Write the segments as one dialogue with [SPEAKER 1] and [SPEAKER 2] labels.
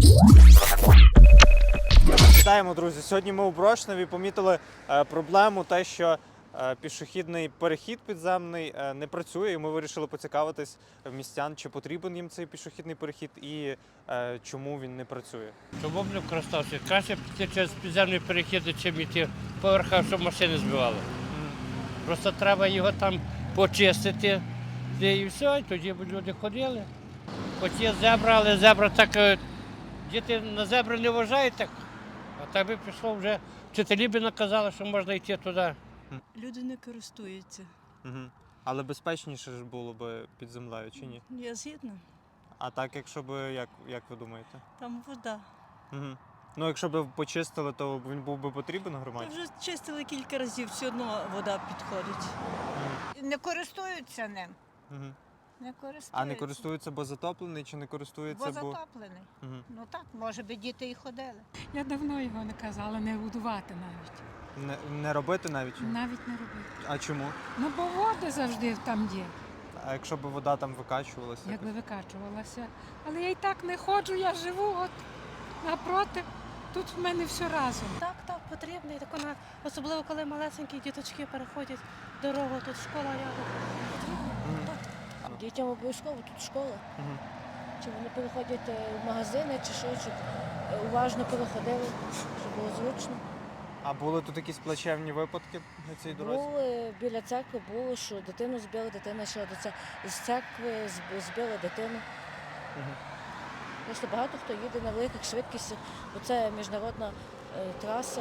[SPEAKER 1] Вітаємо, друзі! Сьогодні ми у Брошневі помітили проблему, те, що пішохідний перехід підземний не працює, і ми вирішили поцікавитись в містян, чи потрібен їм цей пішохідний перехід і чому він не працює.
[SPEAKER 2] Чому б не користався? Краще піти через підземний перехід, чим йти по верхах, щоб машини збивали. Просто треба його там почистити, і все, і тоді б люди ходили. Хоч є зебра, але зебра так, діти на зебри не вважають так. А так би пішло вже, вчителі б наказали, що можна йти туди.
[SPEAKER 3] Люди не користуються.
[SPEAKER 1] Угу. Але безпечніше ж було б під землею, чи ні?
[SPEAKER 3] Я згідна.
[SPEAKER 1] А так, якщо б, як ви думаєте?
[SPEAKER 3] Там вода.
[SPEAKER 1] Угу. Ну, якщо б почистили, то він був би потрібен громаді?
[SPEAKER 3] Вже чистили кілька разів, все одно вода підходить.
[SPEAKER 4] Не користуються ним.
[SPEAKER 1] Угу.
[SPEAKER 4] Не користуються.
[SPEAKER 1] А не користуються, бо затоплений, чи не користуються,
[SPEAKER 4] Бо затоплений.
[SPEAKER 1] Угу.
[SPEAKER 4] Ну так, може би діти і ходили.
[SPEAKER 5] Я давно його не казала, не будувати навіть.
[SPEAKER 1] Не робити навіть?
[SPEAKER 5] Навіть не робити.
[SPEAKER 1] А чому?
[SPEAKER 5] Ну, бо води завжди там є,
[SPEAKER 1] А якщо б вода там викачувалася?
[SPEAKER 5] якби викачувалася. Але я й так не ходжу, я живу от напроти. Тут в мене все разом.
[SPEAKER 6] Так, потрібно. І тако особливо, коли малесенькі діточки переходять дорогу, тут школа рядом.
[SPEAKER 1] Угу.
[SPEAKER 7] Дітям обов'язково тут школа.
[SPEAKER 1] Угу.
[SPEAKER 7] Чи вони переходять в магазини, чи що, щоб уважно переходили, щоб було зручно.
[SPEAKER 1] А були тут якісь плачевні випадки на цій дорозі?
[SPEAKER 7] Були біля церкви, було, що дитину збили, дитина йшла з церкви, збили дитину.
[SPEAKER 1] Угу.
[SPEAKER 7] Просто багато хто їде на великих швидкостях, бо це міжнародна траса,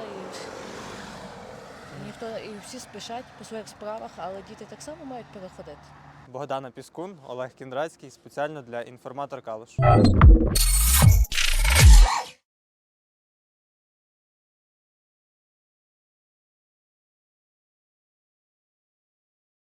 [SPEAKER 7] і всі спішать по своїх справах, але діти так само мають переходити.
[SPEAKER 1] Богдана Піскун, Олег Кіндрацький, спеціально для «Інформатор Калуш».